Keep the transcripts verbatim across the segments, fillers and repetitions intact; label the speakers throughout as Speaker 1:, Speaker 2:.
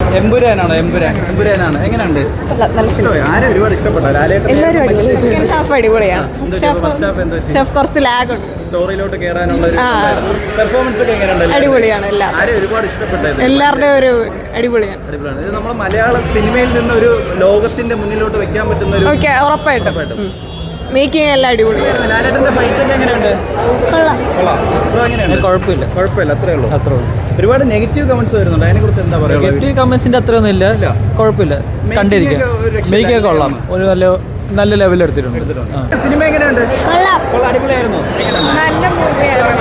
Speaker 1: എമ്പുരാനാണോ? എമ്പുരാൻ എമ്പുരാനാണ്. എങ്ങനെയുണ്ട്? ആരെ ഒരുപാട് ഇഷ്ടപ്പെട്ടോ?
Speaker 2: സെക്കൻഡ് ഹാഫ് അടിപൊളിയാണ്. കുറച്ച് ലാഗ് ഉണ്ട്.
Speaker 1: സ്റ്റോറിയിലോട്ട് കേറാനുള്ള ഒരു പെർഫോമൻസ് ഒക്കെ എങ്ങനെയുണ്ട്?
Speaker 2: അടിപൊളിയാണ്. എല്ലാം
Speaker 1: ആരെ ഒരുപാട് ഇഷ്ടപ്പെട്ടത്?
Speaker 2: എല്ലാവരുടെയും ഒരു അടിപൊളിയാണ്.
Speaker 1: അടിപൊളിയാണ്. ഇത് നമ്മുടെ മലയാള സിനിമയിൽ നിന്ന് ഒരു ലോകത്തിന്റെ മുന്നിലോട്ട് വെക്കാൻ പറ്റുന്ന ഒരു
Speaker 2: ഓക്കെ, ഉറപ്പായിട്ടും മേക്കിംഗ് എല്ലാം അടിപൊളിയാണ്.
Speaker 1: ലാലേട്ടന്റെ ഫൈറ്റ് ഒക്കെ എങ്ങനെയുണ്ട്?
Speaker 3: കുഴപ്പമില്ല
Speaker 1: കുഴപ്പമില്ല അത്രേ ഉള്ളൂ.
Speaker 3: അത്രേ ഉള്ളൂ.
Speaker 1: ഒരുപാട് നെഗറ്റീവ് കമന്റ്സ് വരുന്നുണ്ട്, അതിനെ കുറിച്ച് എന്താ പറയുക?
Speaker 3: നെഗറ്റീവ് കമന്റ്സിന്റെ അത്രയൊന്നും ഇല്ല, കുഴപ്പമില്ല, കണ്ടിരിക്കാം. മേക്കൊക്കെ കൊള്ളാം, ഒരു നല്ല നല്ല ലെവലിൽ എടുത്തിട്ടുണ്ട്.
Speaker 1: സിനിമ എങ്ങനെയുണ്ട്? അടിപൊളിയായിരുന്നു.
Speaker 2: നല്ല മൂവിയായിരുന്നു.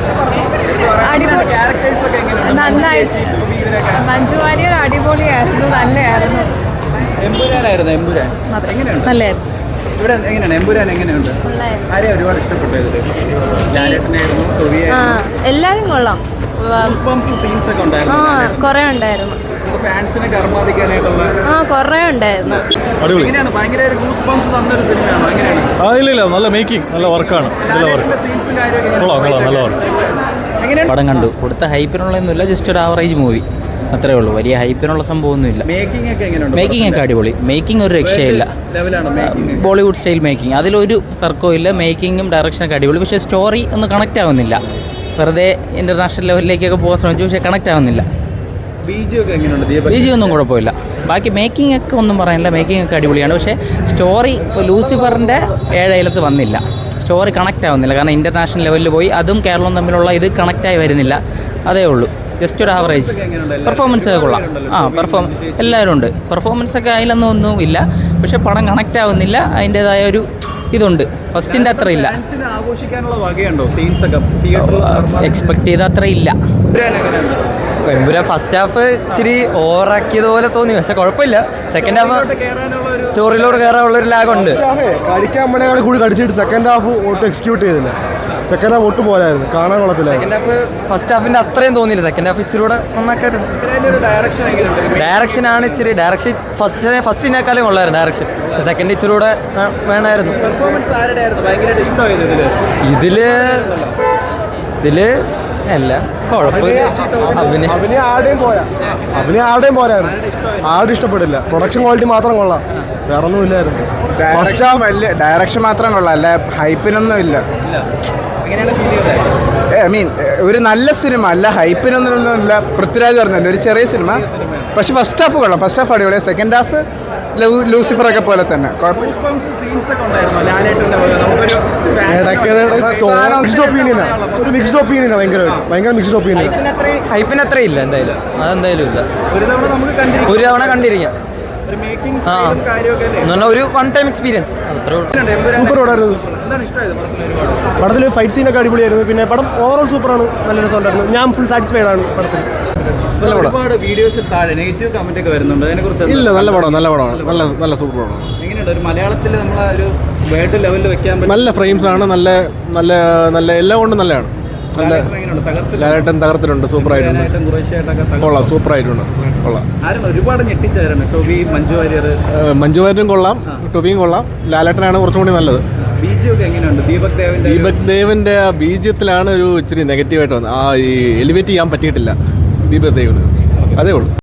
Speaker 2: നന്നായിട്ട് മഞ്ജു വാര്യർ അടിപൊളിയായിരുന്നു, നല്ലതായിരുന്നു.
Speaker 1: എമ്പുരാനായിരുന്നു. എമ്പുരാൻ എങ്ങനെയുണ്ട്?
Speaker 2: നല്ലതായിരുന്നു.
Speaker 1: ഇവിടെ എങ്ങനെയാണ് എമ്പുരാൻ എങ്ങനെയുണ്ട്? ആരെയും ഒരുപാട് ഇഷ്ടപ്പെട്ടത്? ലാലേട്ടനായിരുന്നു,
Speaker 2: എല്ലാരും കൊള്ളാം.
Speaker 1: സീൻസ് ഒക്കെ ഉണ്ടായിരുന്നു,
Speaker 2: കൊറേ ഉണ്ടായിരുന്നു.
Speaker 1: ഫാൻസിനെ കർമാദിക്കാനായിട്ടുള്ള
Speaker 2: ആ കൊറേ ഉണ്ടായിരുന്നു.
Speaker 1: എങ്ങനെയാണ്? ഭയങ്കര ഗൂസ് ബംസ് തന്നൊരു സിനിമയാണോ? എങ്ങനെയാണ്?
Speaker 4: ആ ഇല്ല ഇല്ല, നല്ല മേക്കിംഗ്, നല്ല വർക്കാണ്.
Speaker 1: സീൻസും കാര്യമൊക്കെ
Speaker 4: കൊള്ളാം കൊള്ളാം, നല്ല വർക്ക്.
Speaker 3: പടം കണ്ടു. കൊടുത്ത ഹൈപ്പിനുള്ളതൊന്നുമില്ല, ജസ്റ്റ് ഒരു ആവറേജ് മൂവി അത്രേ ഉള്ളൂ. വലിയ ഹൈപ്പിനുള്ള സംഭവമൊന്നുമില്ല.
Speaker 1: മേക്കിംഗ് ഒക്കെ എങ്ങനെയുണ്ട്?
Speaker 3: മേക്കിംഗ് ഒക്കെ അടിപൊളി. മേക്കിംഗ് ഒരു രക്ഷയില്ല. ബോളിവുഡ് സ്റ്റൈൽ മേക്കിംഗ്, അതിലൊരു തർക്കവും ഇല്ല. മേക്കിങ്ങും ഡയറക്ഷനൊക്കെ അടിപൊളി. പക്ഷേ സ്റ്റോറി ഒന്ന് കണക്റ്റ് ആവുന്നില്ല. വെറുതെ ഇൻ്റർനാഷണൽ ലെവലിലേക്കൊക്കെ പോകാൻ ശ്രമിച്ചു, പക്ഷേ കണക്റ്റ് ആവുന്നില്ല. ബീജി ഒന്നും കുഴപ്പമില്ല. ബാക്കി മേക്കിംഗ് ഒക്കെ ഒന്നും പറയാനില്ല. മേക്കിംഗ് ഒക്കെ അടിപൊളിയാണ്. പക്ഷേ സ്റ്റോറി ലൂസിഫറിൻ്റെ ഏഴയിലത്ത് വന്നില്ല. സ്റ്റോറി കണക്റ്റ് ആവുന്നില്ല. കാരണം ഇൻ്റർനാഷണൽ ലെവലിൽ പോയി അതും കേരളവും തമ്മിലുള്ള ഇത് കണക്റ്റായി വരുന്നില്ല. അതേ ഉള്ളൂ. ജസ്റ്റ് ഒരു ആവറേജ്. പെർഫോമൻസ് ഒക്കെ കൊള്ളാം. ആ പെർഫോം എല്ലാവരും ഉണ്ട്. പെർഫോമൻസ് ഒക്കെ അതിലൊന്നും ഒന്നും ഇല്ല. പക്ഷേ പടം കണക്റ്റ് ആവുന്നില്ല. അതിൻ്റേതായ ഒരു ഇതുണ്ട്. ഫസ്റ്റിൻ്റെ അത്ര ഇല്ല. എക്സ്പെക്ട് ചെയ്ത അത്ര ഇല്ല.
Speaker 5: എമ്പുരാൻ ഫസ്റ്റ് ഹാഫ് ഇച്ചിരി ഓവറാക്കിയതുപോലെ തോന്നി, പക്ഷെ കുഴപ്പമില്ല. സെക്കൻഡ് ഹാഫ് സ്റ്റോറിയിലോട്ട് കയറാനുള്ള ഒരു ലാഗുണ്ട്.
Speaker 4: കടിക്കാൻ വേണ്ടി കൂടി കടിച്ചിട്ട് സെക്കൻഡ് ഹാഫ് ഒട്ടും എക്സിക്യൂട്ട് ചെയ്തില്ല. സെക്കൻഡ് ഹാഫ് ഒട്ടും പോലായിരുന്നു, കാണാൻ കൊള്ളത്തില്ല.
Speaker 5: സെക്കൻഡ് ഹാഫ് ഫസ്റ്റ് ഹാഫിന്റെ അത്രയും തോന്നിയില്ല. സെക്കൻഡ് ഹാഫ് ഇച്ചിരി കൂടെ നന്നാക്കായിരുന്നു. ഡയറക്ഷൻ ആണ് ഇച്ചിരി ഡയറക്ഷൻ ഫസ്റ്റ് ഫസ്റ്റിനേക്കാളും കൊള്ളായിരുന്നു ഡയറക്ഷൻ. സെക്കൻഡ് ഇച്ചിരി കൂടെ വേണമായിരുന്നു. ഇതില് ഇതില് അല്ല കുഴപ്പമില്ല.
Speaker 4: അഭിനയം അഭിനയം ആരുടെയും പോരാ അഭിനയം ആരുടെയും പോരായിരുന്നു. ആരും ഇഷ്ടപ്പെട്ടില്ല. പ്രൊഡക്ഷൻ ക്വാളിറ്റി മാത്രം കൊള്ളാം, വേറെ ഒന്നും ഇല്ലായിരുന്നു.
Speaker 6: ഡയറക്ഷൻ മാത്രം കൊള്ളാം, അല്ല ഹൈപ്പിനൊന്നും ഇല്ല. ഐ മീൻ ഒരു നല്ല സിനിമ അല്ല, ഹൈപ്പിനൊന്നും ഇല്ല. പൃഥ്വിരാജ് പറഞ്ഞല്ലോ ഒരു ചെറിയ സിനിമ, പക്ഷെ ഫസ്റ്റ് ഹാഫ് കൊള്ളാം. ഫസ്റ്റ് ഹാഫ് അടിപൊളിയാണ്. സെക്കൻഡ് ഹാഫ് ലൂസിഫർ ഒക്കെ പോലെ തന്നെ
Speaker 4: ഒരു മിക്സ്ഡ് ഒപ്പീനിയനാണ്. ഭയങ്കര ഭയങ്കര മിക്സ്ഡ് ഒപ്പീനിയൻ.
Speaker 5: ഹൈപ്പിന് അത്ര ഇല്ല, എന്തായാലും അതെന്തായാലും ഇല്ല. ഒരു തവണ കണ്ടിരിക്കാം. ആ എന്ന് പറഞ്ഞാൽ ഒരു വൺ ടൈം എക്സ്പീരിയൻസ്, അത്രേ ഉള്ളൂ.
Speaker 4: സൂപ്പർ പടമായിരുന്നു. പടത്തിൽ ഫൈറ്റ് സീനൊക്കെ അടിപൊളിയായിരുന്നു. പിന്നെ പടം ഓവറോൾ സൂപ്പറാണ്, നല്ല രസമുണ്ടായിരുന്നു. ഞാൻ ഫുൾ സാറ്റിസ്ഫൈഡ് ആണ് പടത്തിൽ.
Speaker 1: ഒരുപാട് വീഡിയോസിൽ താഴെ നെഗറ്റീവ് കമന്റ് ഒക്കെ വരുന്നുണ്ട്, അതിനെക്കുറിച്ച്
Speaker 4: ഇല്ല. നല്ല പടം, നല്ല പടമാണ്, നല്ല നല്ല സൂപ്പർ പടമാണ്.
Speaker 1: എങ്ങനെയുണ്ട്? ഒരു മലയാളത്തിൽ നമ്മളെ ഒരു വേൾഡ് ലെവലിൽ വെക്കാൻ പറ്റും.
Speaker 4: നല്ല ഫ്രെയിംസ് ആണ്, നല്ല നല്ല നല്ല എല്ലാം കൊണ്ടും നല്ലതാണ്. നല്ല ലാലേട്ടൻ തകർത്തിട്ടുണ്ട്, സൂപ്പർ ആയിട്ടുണ്ട്. കൊള്ളാം, സൂപ്പർ ആയിട്ടുണ്ട്, കൊള്ളാം.
Speaker 1: ഒരുപാട് ഞെട്ടിച്ചായിരുന്നു ടോബി, മഞ്ജു വാര്യർ.
Speaker 4: മഞ്ജു വാര്യരും കൊള്ളാം, ടോബിയും കൊള്ളാം. ലാലേട്ടനാണ് കുറച്ചും കൂടി നല്ലത്.
Speaker 1: ബീജിയൊക്കെ എങ്ങനെയുണ്ട്? ദീപക് ദേവിന്റെ
Speaker 4: ദീപക് ദേവിന്റെ ബീജത്തിലാണ് ഒരു ഇച്ചിരി നെഗറ്റീവായിട്ട് വന്നത്. ആ ഈ എലിവേറ്റ് ചെയ്യാൻ പറ്റിയിട്ടില്ല ദീപക് ദേവിന്, അതേ ഉള്ളൂ.